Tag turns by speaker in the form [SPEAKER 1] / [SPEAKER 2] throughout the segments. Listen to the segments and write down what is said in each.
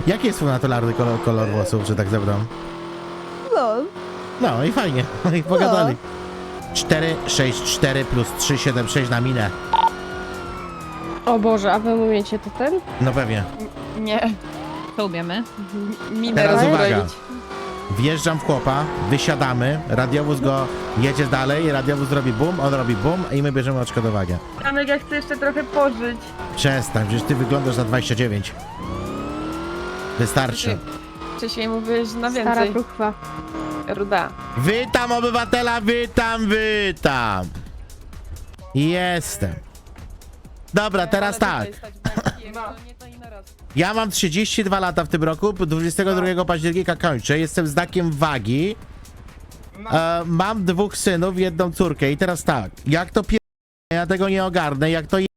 [SPEAKER 1] Jaki jest twój naturalny kolor włosów, że tak zebrałem?
[SPEAKER 2] Lol.
[SPEAKER 1] No i fajnie, no i pogadali. 4, 6, 4 plus 3, 7, 6 na minę.
[SPEAKER 2] O Boże, a wy umiecie to ten?
[SPEAKER 1] No pewnie.
[SPEAKER 3] Nie.
[SPEAKER 4] To umiemy.
[SPEAKER 3] Minę
[SPEAKER 1] Teraz
[SPEAKER 3] rozbroić.
[SPEAKER 1] uwaga. Wjeżdżam w chłopa, wysiadamy, radiowóz go jedzie dalej, radiowóz robi bum, on robi bum i my bierzemy odszkodowanie.
[SPEAKER 3] Janek, ja chcę jeszcze trochę pożyć.
[SPEAKER 1] Przestań, przecież ty wyglądasz na 29. Wystarczy.
[SPEAKER 3] Wcześniej mówiłeś na
[SPEAKER 2] Stara
[SPEAKER 3] więcej.
[SPEAKER 2] próchwa.
[SPEAKER 3] Ruda.
[SPEAKER 1] Witam obywatela, witam, witam. Jestem. Dobra, teraz tak. Ja mam 32 lata w tym roku, 22 października kończę, jestem znakiem wagi. Mam 2 synów, 1 córkę i teraz tak, jak to ja tego nie ogarnę, jak to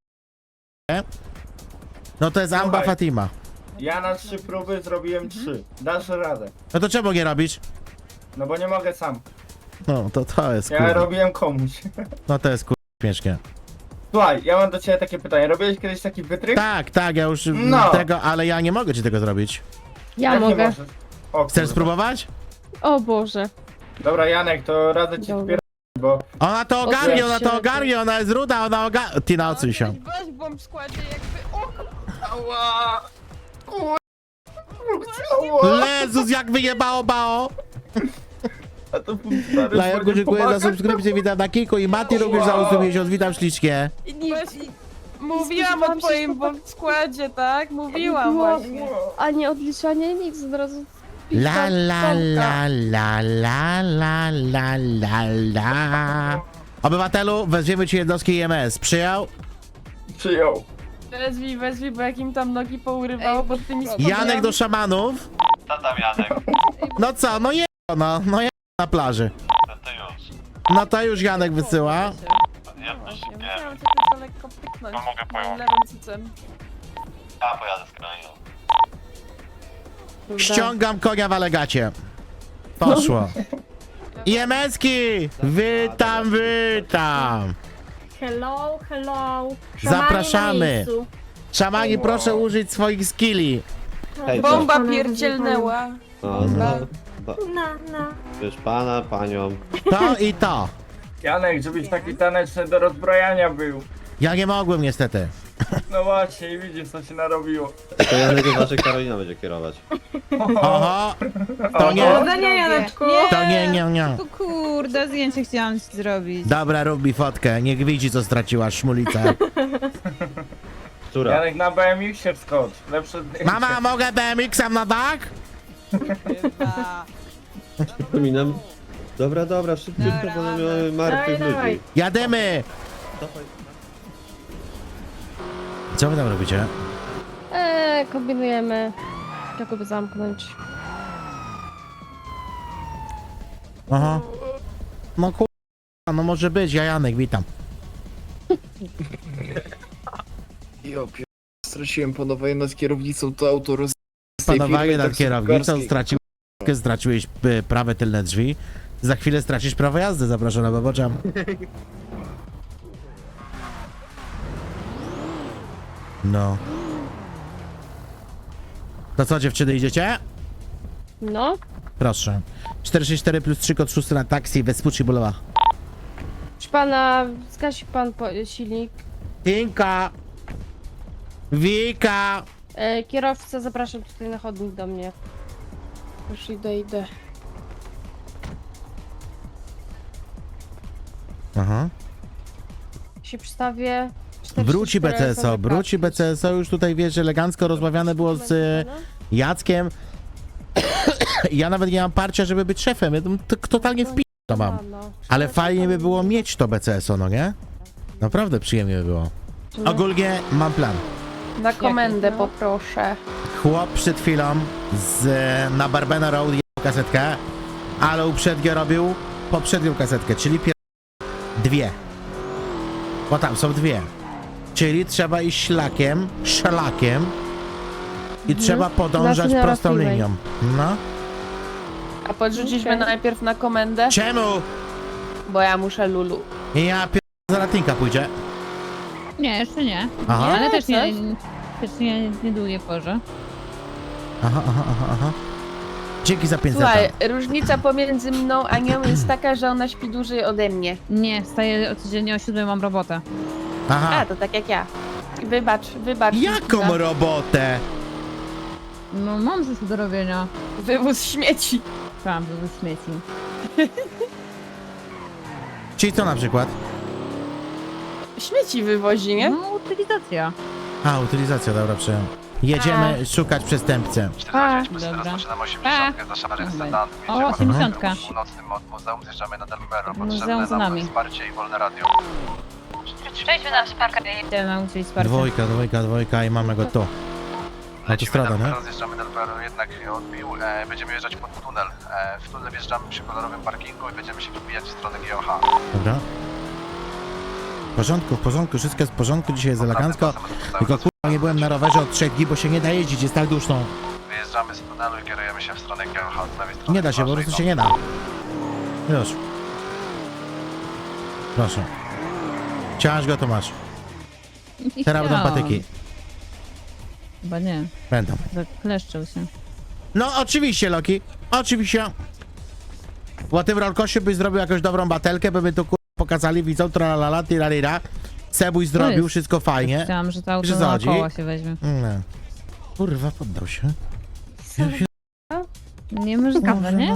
[SPEAKER 1] no to jest Amba
[SPEAKER 5] Słuchaj.
[SPEAKER 1] Fatima.
[SPEAKER 5] Ja na 3 próby zrobiłem 3. Dasz radę.
[SPEAKER 1] No to czemu nie robisz?
[SPEAKER 5] No bo nie mogę sam.
[SPEAKER 1] No to jest
[SPEAKER 5] Ja
[SPEAKER 1] kurwa.
[SPEAKER 5] robiłem komuś.
[SPEAKER 1] No to jest kurwa śmiesznie.
[SPEAKER 5] Słuchaj, ja mam do ciebie takie pytanie. Robiłeś kiedyś taki wytrych?
[SPEAKER 1] Tak, ja już
[SPEAKER 5] No.
[SPEAKER 1] tego, ale ja nie mogę ci tego zrobić.
[SPEAKER 2] Ja
[SPEAKER 5] Jak nie
[SPEAKER 2] mogę.
[SPEAKER 5] możesz? O,
[SPEAKER 1] Chcesz
[SPEAKER 5] kurwa.
[SPEAKER 1] spróbować?
[SPEAKER 2] O Boże.
[SPEAKER 5] Dobra, Janek, to radzę ci
[SPEAKER 2] Dobra.
[SPEAKER 5] wpierać, bo...
[SPEAKER 1] Ona to ogarnie, ona to
[SPEAKER 2] Odwróć się.
[SPEAKER 1] ogarnie, ona jest ruda, ona ogarnie. Ty na odsuń się.
[SPEAKER 3] Weź w bomb składzie jakby... O,
[SPEAKER 5] Ała! Ała!
[SPEAKER 1] Jezus, jak wyjebało bao!
[SPEAKER 5] A to stary,
[SPEAKER 1] Lajerku,
[SPEAKER 5] będzie
[SPEAKER 1] dziękuję za
[SPEAKER 5] pomagać?
[SPEAKER 1] subskrypcję, witam na Kiko i Mati również za 8 miesiąc, witam ślicznie.
[SPEAKER 3] Mówiłam o twoim bomb składzie, tak? Mówiłam właśnie.
[SPEAKER 2] A nie odliczanie nic, od razu.
[SPEAKER 1] La la la la la la la la la. Obywatelu, weźmiemy ci jednostki IMS. Przyjął?
[SPEAKER 5] Przyjął.
[SPEAKER 3] Wezwij, bo jak im tam nogi pourywało pod tymi spodniami.
[SPEAKER 1] Janek do szamanów.
[SPEAKER 6] Co tam, Janek?
[SPEAKER 1] No co, no no je na plaży.
[SPEAKER 6] No to już.
[SPEAKER 1] No to już Janek wysyła.
[SPEAKER 6] Ja
[SPEAKER 3] Ja
[SPEAKER 6] też nie.
[SPEAKER 3] musiałam cię tylko lekko pyknąć.
[SPEAKER 6] No mogę pojąć.
[SPEAKER 3] Lewym cycem.
[SPEAKER 6] Ja pojadę z krainą.
[SPEAKER 1] Ściągam konia w alegacie. Poszło. IMS-ki! Witam, witam.
[SPEAKER 7] Hello, hello.
[SPEAKER 1] Zapraszamy.
[SPEAKER 7] Na miejscu.
[SPEAKER 1] Szamani, proszę użyć swoich skilli.
[SPEAKER 8] Hej,
[SPEAKER 3] Bomba pierdzielnęła.
[SPEAKER 8] no,
[SPEAKER 7] No.
[SPEAKER 8] wiesz, pana, panią.
[SPEAKER 1] To i to.
[SPEAKER 5] Janek, żebyś taki taneczny do rozbrajania był.
[SPEAKER 1] Ja nie mogłem niestety.
[SPEAKER 5] No właśnie, i widzisz co się narobiło.
[SPEAKER 8] To Janek uważaj, Karolina będzie kierować.
[SPEAKER 1] Oho, to nie,
[SPEAKER 7] Powodzenia, Janeczku.
[SPEAKER 1] to nie.
[SPEAKER 4] O kurde, zdjęcie chciałam ci zrobić.
[SPEAKER 1] Dobra, rób mi fotkę, niech widzi co straciła szmulica.
[SPEAKER 8] Która?
[SPEAKER 5] Janek na BMX się wskocz. Lepsze zdjęcie.
[SPEAKER 1] Mama, mogę BMX-em na dach?
[SPEAKER 4] Chyba.
[SPEAKER 8] Przypominam. Dobra, szybciutko, bo mamy martwych
[SPEAKER 7] Dawaj, dawaj.
[SPEAKER 8] ludzi.
[SPEAKER 1] Jademy!
[SPEAKER 8] Dawaj.
[SPEAKER 1] Co wy tam robicie?
[SPEAKER 2] Kombinujemy. Jak go zamknąć.
[SPEAKER 1] Aha. No kurwa, no może być, ja Janek, witam.
[SPEAKER 9] Straciłem panowanie nad kierownicą, to auto roz...
[SPEAKER 1] Panowanie nad kierownicą, straciłeś prawe tylne drzwi. Za chwilę stracisz prawo jazdy, zapraszam na baboczam. No. To co, dziewczyny, idziecie?
[SPEAKER 2] No.
[SPEAKER 1] Proszę. 464 plus 3 kod 6 na taksi, Vespucci Bulowa.
[SPEAKER 2] Proszę pana, zgasi pan silnik.
[SPEAKER 1] Tinka! Wika!
[SPEAKER 2] Kierowca, zapraszam tutaj na chodnik do mnie. Już idę.
[SPEAKER 1] Aha.
[SPEAKER 2] Się przystawię.
[SPEAKER 1] Wróci
[SPEAKER 2] 44
[SPEAKER 1] BCSO,
[SPEAKER 2] osoby
[SPEAKER 1] wróci
[SPEAKER 2] karty.
[SPEAKER 1] BCSO, już tutaj wiesz, elegancko rozmawiane było z Jackiem. Ja nawet nie mam parcia, żeby być szefem, ja tam totalnie w to mam. Ale fajnie by było mieć to BCSO, no nie? Naprawdę przyjemnie by było. Ogólnie mam plan.
[SPEAKER 3] Na komendę
[SPEAKER 2] no?
[SPEAKER 3] poproszę.
[SPEAKER 1] Chłop przed chwilą na Barbena Road jechał kasetkę, ale uprzednio robił poprzednią kasetkę, czyli dwie. Bo tam są dwie. Czyli trzeba iść szlakiem i trzeba podążać
[SPEAKER 2] Znaczy
[SPEAKER 1] prostą
[SPEAKER 2] na
[SPEAKER 1] linią. No.
[SPEAKER 3] A podrzuciliśmy
[SPEAKER 2] Okej.
[SPEAKER 3] najpierw na komendę,
[SPEAKER 1] Czemu?
[SPEAKER 3] bo ja muszę Lulu.
[SPEAKER 1] Ja za latinka pójdzie.
[SPEAKER 4] Nie, jeszcze nie.
[SPEAKER 1] Aha.
[SPEAKER 4] Ale też
[SPEAKER 2] coś?
[SPEAKER 4] nie długie porze.
[SPEAKER 1] Aha. Dzięki za 5
[SPEAKER 3] Słuchaj, różnica pomiędzy mną a nią jest taka, że ona śpi dłużej ode mnie.
[SPEAKER 4] Nie, wstaję codziennie o 7, mam robotę.
[SPEAKER 1] Aha.
[SPEAKER 3] A, to tak jak ja. Wybacz.
[SPEAKER 1] Jaką robotę?
[SPEAKER 4] No mam coś do robienia.
[SPEAKER 3] Wywóz śmieci.
[SPEAKER 4] Tam, wywóz śmieci.
[SPEAKER 1] Czyli co na przykład?
[SPEAKER 3] Śmieci wywozi, nie?
[SPEAKER 4] No, utylizacja.
[SPEAKER 1] A, utylizacja, dobra, przyjąłem. Jedziemy szukać przestępcę.
[SPEAKER 6] 49, teraz
[SPEAKER 4] Dobra.
[SPEAKER 6] zaczynamy
[SPEAKER 4] A.
[SPEAKER 6] 80 za szarym
[SPEAKER 4] Dobra.
[SPEAKER 6] sedan.
[SPEAKER 4] O, 80.
[SPEAKER 6] W północnym od muzeum zjeżdżamy na Delmero.
[SPEAKER 4] Muzeum
[SPEAKER 6] Potrzebne
[SPEAKER 4] za
[SPEAKER 6] nam
[SPEAKER 4] nami.
[SPEAKER 6] wsparcie i wolne radio.
[SPEAKER 4] Przejdźmy na parkę. Idę nauczyć wsparcia.
[SPEAKER 1] Dwójka i mamy go tu. Autostrada, nie?
[SPEAKER 6] Teraz zjeżdżamy Delmero, jednak odbił. Będziemy jeżdżać pod tunel. W tunel wjeżdżamy przy kolorowym parkingu i będziemy się wbijać w stronę GOH.
[SPEAKER 1] Dobra. W porządku, wszystko jest w porządku, dzisiaj jest elegancko. Tylko kurwa nie byłem na rowerze od 3 dni, bo się nie da jeździć, jest tak duszno.
[SPEAKER 6] Wyjeżdżamy z tunelu i kierujemy się w stronę GOH z lewej strony.
[SPEAKER 1] Nie da się, po prostu się nie da. Już. Proszę. Chciałaś go, to masz. Teraz będą patyki.
[SPEAKER 4] Chyba nie,
[SPEAKER 1] Będą.
[SPEAKER 4] zakleszczył się.
[SPEAKER 1] No oczywiście, Loki. Oczywiście. Po tym rolkosie byś zrobił jakąś dobrą batelkę, by my tu kurwa pokazali, widzą, tralalala, tirarira. Sebuś zrobił,
[SPEAKER 4] jest-
[SPEAKER 1] wszystko fajnie.
[SPEAKER 4] Chciałam, że to auto
[SPEAKER 1] Że
[SPEAKER 4] na
[SPEAKER 1] chodzi?
[SPEAKER 4] koła się weźmie.
[SPEAKER 1] Nie. Kurwa, poddał się.
[SPEAKER 4] Niemożliwe, nie?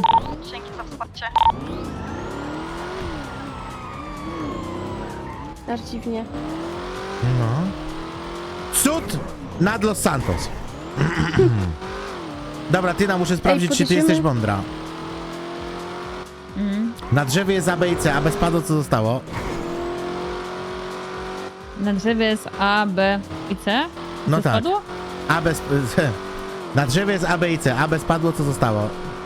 [SPEAKER 2] Aż dziwnie.
[SPEAKER 1] No. Cud nad Los Santos. Dobra, Tyna, muszę sprawdzić, czy ty
[SPEAKER 2] podejdziemy?
[SPEAKER 1] jesteś mądra.
[SPEAKER 4] Mhm.
[SPEAKER 1] Na drzewie jest A, B i C, a bez padu co zostało?
[SPEAKER 4] Na drzewie jest A, B i C?
[SPEAKER 1] No
[SPEAKER 4] Co
[SPEAKER 1] tak.
[SPEAKER 4] spadło?
[SPEAKER 1] A bez... Na drzewie jest A, B i C, a bez padło co zostało?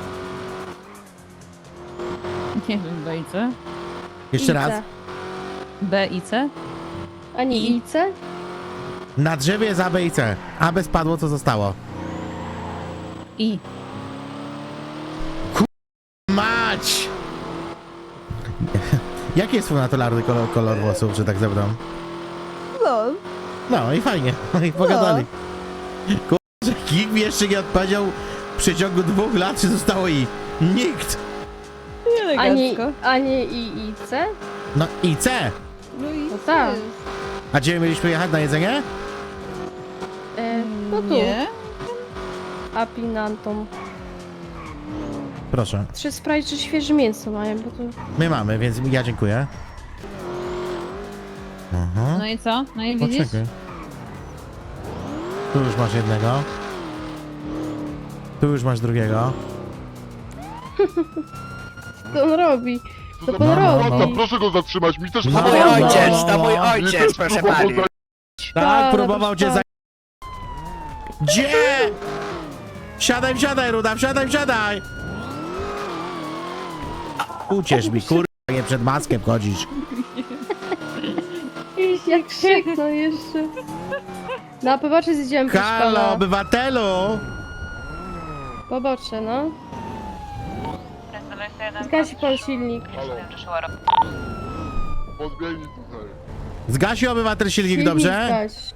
[SPEAKER 4] Nie wiem, B i C.
[SPEAKER 1] Jeszcze
[SPEAKER 2] IC.
[SPEAKER 1] raz.
[SPEAKER 4] B i C?
[SPEAKER 2] A nie IC?
[SPEAKER 1] Na drzewie jest A, B i C, a bez padło co zostało?
[SPEAKER 4] I.
[SPEAKER 1] Mać! Jaki jest twój naturalny kolor włosów, że tak zebrał? No i fajnie, no i pogadali. Kurczę, nikt mi jeszcze nie odpowiedział w przeciągu 2 lat, czy zostało I. Nikt!
[SPEAKER 2] A nie IC?
[SPEAKER 1] No i C!
[SPEAKER 4] No i
[SPEAKER 2] No tak.
[SPEAKER 1] A gdzie mieliśmy jechać na jedzenie?
[SPEAKER 2] No tu.
[SPEAKER 4] Nie.
[SPEAKER 2] Apinantom.
[SPEAKER 1] Proszę.
[SPEAKER 2] Trzeba sprawdzić, czy świeże mięso mają, bo to...
[SPEAKER 1] My mamy, więc ja dziękuję. Aha.
[SPEAKER 4] No i co? No i widzisz?
[SPEAKER 1] Poczekaj. Tu już masz jednego. Tu już masz drugiego.
[SPEAKER 2] Co on robi? Co
[SPEAKER 1] No,
[SPEAKER 2] pan robi?
[SPEAKER 10] Proszę go zatrzymać, mi też
[SPEAKER 1] No,
[SPEAKER 10] próbował-
[SPEAKER 1] mój ojciec,
[SPEAKER 10] to mój ojciec, proszę pani.
[SPEAKER 1] Tak,
[SPEAKER 2] Tak,
[SPEAKER 1] próbował
[SPEAKER 2] no
[SPEAKER 1] cię
[SPEAKER 2] to-
[SPEAKER 1] za... Gdzie? Wsiadaj, Ruda, wsiadaj! Uciesz mi, kurwa, nie przed maskiem chodzisz.
[SPEAKER 2] Jak krzyknął jeszcze. Na pobocze zjedziemy, proszę
[SPEAKER 1] Halo,
[SPEAKER 2] pana.
[SPEAKER 1] obywatelu!
[SPEAKER 2] Pobocze, no. Zgasi pan silnik.
[SPEAKER 10] Podbiegnij tutaj.
[SPEAKER 1] Zgasił obywatel silnik, dobrze?
[SPEAKER 2] zgaś.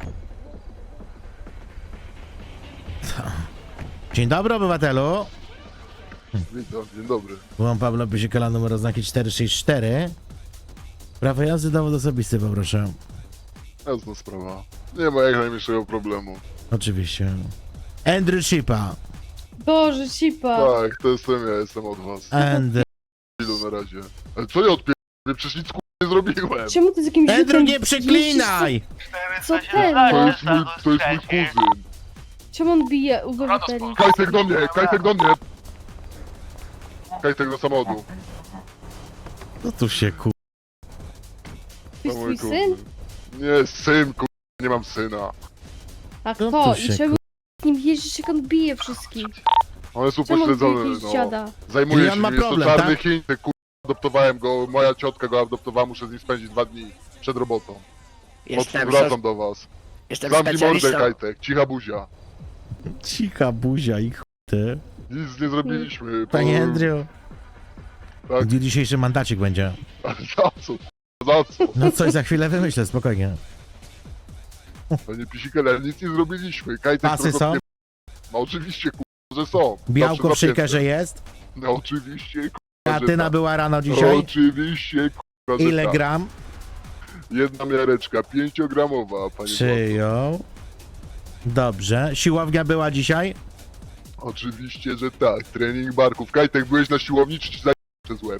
[SPEAKER 1] Dzień dobry, obywatelu.
[SPEAKER 10] Witam, dzień dobry.
[SPEAKER 1] Byłam Pablo Pysikala, numer oznaki 464. Prawo jazdy, dowód osobisty, poproszę.
[SPEAKER 10] Jasna sprawa. Nie ma jak najmniejszego problemu.
[SPEAKER 1] Oczywiście. Andrew Shipa.
[SPEAKER 2] Boże, cipa.
[SPEAKER 10] Tak, to jestem ja, jestem od was.
[SPEAKER 1] Andrew.
[SPEAKER 10] Ilu na razie. Ale co ja odpierdolę? Przecież nic nie zrobiłem.
[SPEAKER 2] Czemu ty z jakimś
[SPEAKER 1] Andrew,
[SPEAKER 2] rzutem
[SPEAKER 1] nie przeklinaj!
[SPEAKER 2] Co ten?
[SPEAKER 10] To jest mój kuzyn.
[SPEAKER 2] Czemu on bije obywateli?
[SPEAKER 10] Kajtek do mnie, Kajtek do mnie. Kajtek do samochodu.
[SPEAKER 1] No tu się ku...
[SPEAKER 2] To jest twój syn?
[SPEAKER 10] Nie, syn, nie mam syna.
[SPEAKER 2] A
[SPEAKER 1] No
[SPEAKER 2] kto?
[SPEAKER 1] to się
[SPEAKER 2] I czemu z nim jeździsz, jak on bije wszystkich?
[SPEAKER 10] On jest
[SPEAKER 2] Czemu on bije
[SPEAKER 10] upośledzony,
[SPEAKER 2] jakiegoś
[SPEAKER 10] no.
[SPEAKER 2] dziada?
[SPEAKER 10] Zajmuje
[SPEAKER 1] I on
[SPEAKER 10] się,
[SPEAKER 1] ma
[SPEAKER 10] jest
[SPEAKER 1] problem,
[SPEAKER 10] to czarny
[SPEAKER 1] tak?
[SPEAKER 10] Chiń, ty adoptowałem go, moja ciotka go adoptowała, muszę z nim spędzić 2 dni przed robotą. Wracam do was. Zamknij mordę, Kajtek, cicha buzia.
[SPEAKER 1] Cicha buzia i ty.
[SPEAKER 10] Nic nie zrobiliśmy.
[SPEAKER 1] Panie Andrew.
[SPEAKER 10] Tak.
[SPEAKER 1] Gdzie dzisiejszy mandacik będzie?
[SPEAKER 10] Ale za co? Za co?
[SPEAKER 1] No coś za chwilę wymyślę, spokojnie.
[SPEAKER 10] Panie Pisikele, nic nie zrobiliśmy. Kajtek
[SPEAKER 1] Pasy
[SPEAKER 10] trochę
[SPEAKER 1] są?
[SPEAKER 10] mnie No oczywiście, że są.
[SPEAKER 1] Białko
[SPEAKER 10] Zawsze
[SPEAKER 1] w shakerze
[SPEAKER 10] napięte.
[SPEAKER 1] jest?
[SPEAKER 10] No oczywiście, że
[SPEAKER 1] Kreatyna
[SPEAKER 10] tak.
[SPEAKER 1] była rano dzisiaj?
[SPEAKER 10] Oczywiście, że
[SPEAKER 1] Ile
[SPEAKER 10] tak.
[SPEAKER 1] gram?
[SPEAKER 10] Jedna miareczka, 5-gramowa, panie Władco.
[SPEAKER 1] Przyjął. Dobrze. Siłownia była dzisiaj?
[SPEAKER 10] Oczywiście, że tak. Trening barków. Kajtek, byłeś na siłowni, czy ci za przez łeb?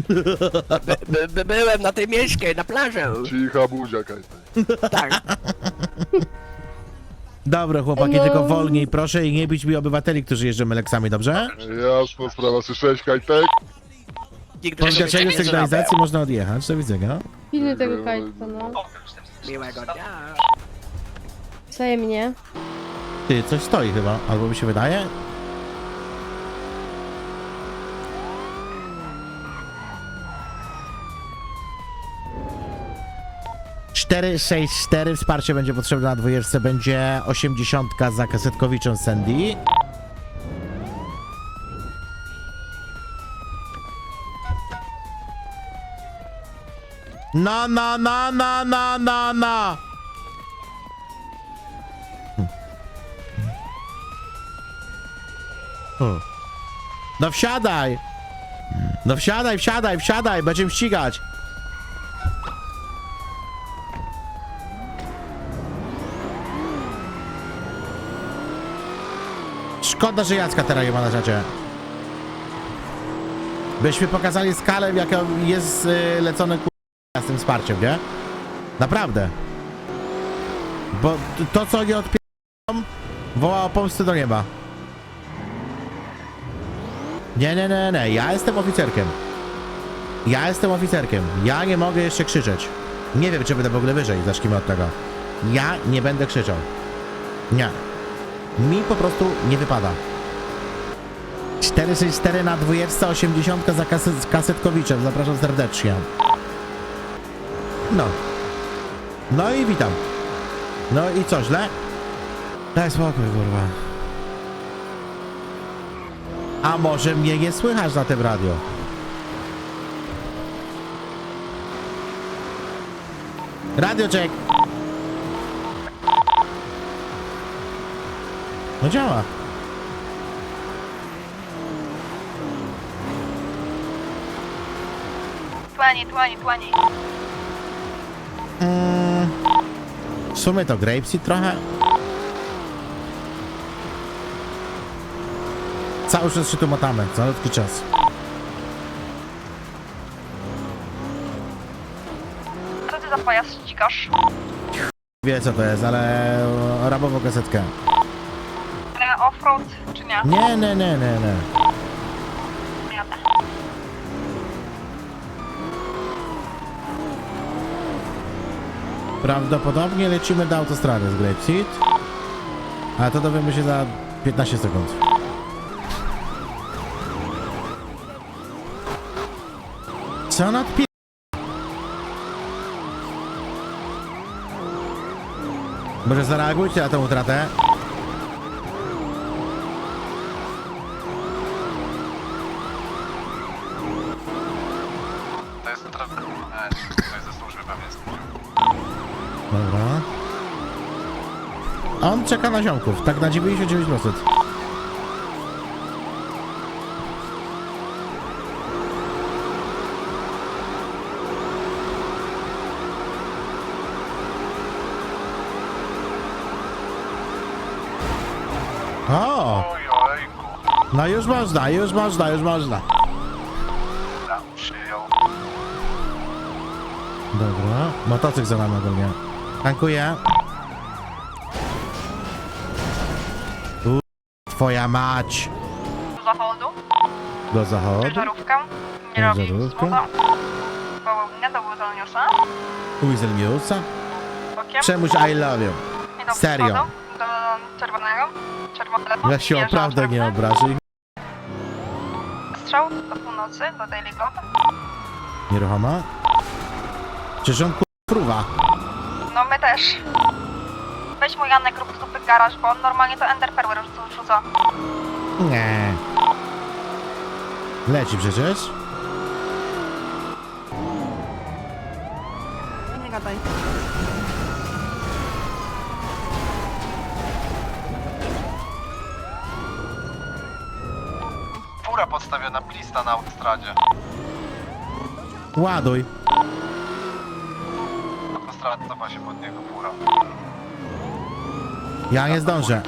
[SPEAKER 11] Byłem na tej miejskiej, na plaży.
[SPEAKER 10] Cicha buzia, Kajtek.
[SPEAKER 11] Tak.
[SPEAKER 1] Dobra, chłopaki,
[SPEAKER 2] No.
[SPEAKER 1] tylko wolniej proszę i nie bić mi obywateli, którzy jeżdżą Leksami, dobrze?
[SPEAKER 10] Jasna sprawa, słyszałeś, Kajtek?
[SPEAKER 11] Nigdy
[SPEAKER 1] Po
[SPEAKER 11] się
[SPEAKER 1] zgaszeniu
[SPEAKER 11] nie
[SPEAKER 1] sygnalizacji można odjechać. Do widzenia.
[SPEAKER 2] Pilny tego kajtka, no.
[SPEAKER 11] zrobię. Miłego dnia.
[SPEAKER 2] Wzajemnie.
[SPEAKER 1] Ty, coś stoi chyba, albo mi się wydaje? Cztery, 6, 4, wsparcie będzie potrzebne na dwójeczce, będzie 80 za Kasetkowiczem Sandy. No, no, no, no, no, no, no. No wsiadaj! No wsiadaj, wsiadaj, wsiadaj, będziemy ścigać. Szkoda, że Jacka teraz nie ma na czacie. Byśmy pokazali skalę, jaka jest lecone z tym wsparciem, nie? Naprawdę. Bo to, co nie odpierdolą, woła o pomstę do nieba. Nie, nie, nie, nie, ja jestem oficerkiem. Ja jestem oficerkiem. Ja nie mogę jeszcze krzyczeć. Nie wiem, czy będę w ogóle wyżej, zacznijmy od tego. Ja nie będę krzyczał. Nie. Mi po prostu nie wypada. 464 na dwójeczce, 80 za Kasetkowiczem. Zapraszam serdecznie. No. No i witam. No i co, źle? Daj spokój, kurwa. A może mnie nie słychać na tym radio? Radio check. No działa.
[SPEAKER 4] Tłani.
[SPEAKER 1] W sumie to Grapeseed trochę. Cały czas się tu motamy, calutki czas.
[SPEAKER 4] Co ty za pojazd ścigasz?
[SPEAKER 1] Wie co to jest, ale rabową kasetkę.
[SPEAKER 4] Offroad czy nie?
[SPEAKER 1] Nie, nie, nie, nie, nie.
[SPEAKER 4] Jadę.
[SPEAKER 1] Prawdopodobnie lecimy do autostrady z Grapeseed. Ale to dowiemy się za 15 sekund. Co on odpie... Może zareagujcie na tę utratę?
[SPEAKER 6] To jest to jest ze służby pewnie.
[SPEAKER 1] Dobra. On czeka na ziomków, tak na 99%. O!
[SPEAKER 6] Ojejku.
[SPEAKER 1] No już można, już można, już można.
[SPEAKER 6] Dobra, przyjął.
[SPEAKER 1] Dobra, motocykl za nami ogólnie. Tankuję. Twoja mać!
[SPEAKER 4] Do zachodu,
[SPEAKER 1] Do zachodu.
[SPEAKER 4] żarówkę, nie
[SPEAKER 1] Ciężarówkę.
[SPEAKER 4] robi słowa. Wołowinę do Wuzolniusa,
[SPEAKER 1] Weaselniusa?
[SPEAKER 4] bokiem.
[SPEAKER 1] Czemuś I love you.
[SPEAKER 4] I do
[SPEAKER 1] Serio.
[SPEAKER 4] wschodu, do czerwonego, czerwonego.
[SPEAKER 1] Ja się
[SPEAKER 4] wjeżdżam
[SPEAKER 1] naprawdę nie
[SPEAKER 4] czerwony.
[SPEAKER 1] obrażę.
[SPEAKER 4] Strzał do północy, do Daily Globe.
[SPEAKER 1] Nieruchoma? Czyż on fruwa?
[SPEAKER 4] No my też. Weź mu Janek rób stupy garaż, bo on normalnie to Ender Perwer rzuca.
[SPEAKER 1] Nie. Leci przecież.
[SPEAKER 3] Nie gadaj.
[SPEAKER 6] fura podstawiona, blista na autostradzie.
[SPEAKER 1] Ładuj.
[SPEAKER 6] Autostrada cofa się pod niego fura.
[SPEAKER 1] Ja nie zdążę.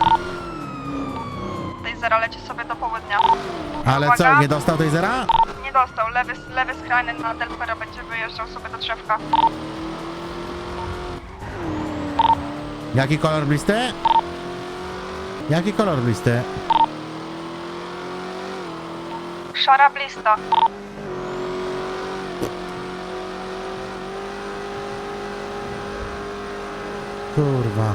[SPEAKER 4] Tej zera leci sobie do południa.
[SPEAKER 1] Ale co,
[SPEAKER 4] Uwaga.
[SPEAKER 1] nie dostał tej zera?
[SPEAKER 4] Nie dostał, lewy skrajny na Delpera będzie wyjeżdżał sobie do drzewka.
[SPEAKER 1] Jaki kolor blisty? Jaki kolor blisty?
[SPEAKER 4] Szara blista.
[SPEAKER 1] Kurwa.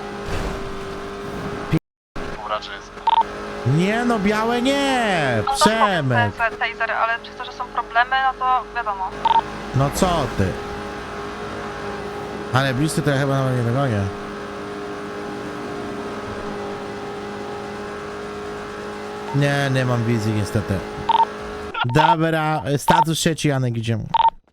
[SPEAKER 6] Fura czysta.
[SPEAKER 1] Nie no, białe nie! Przemek!
[SPEAKER 4] Tej zery, ale przez to, że są problemy, no to wiadomo.
[SPEAKER 1] No co ty? Ale blisty to ja chyba nawet nie dogonię. Nie mam wizji niestety. Dobra, status 3, Janek, idziemy.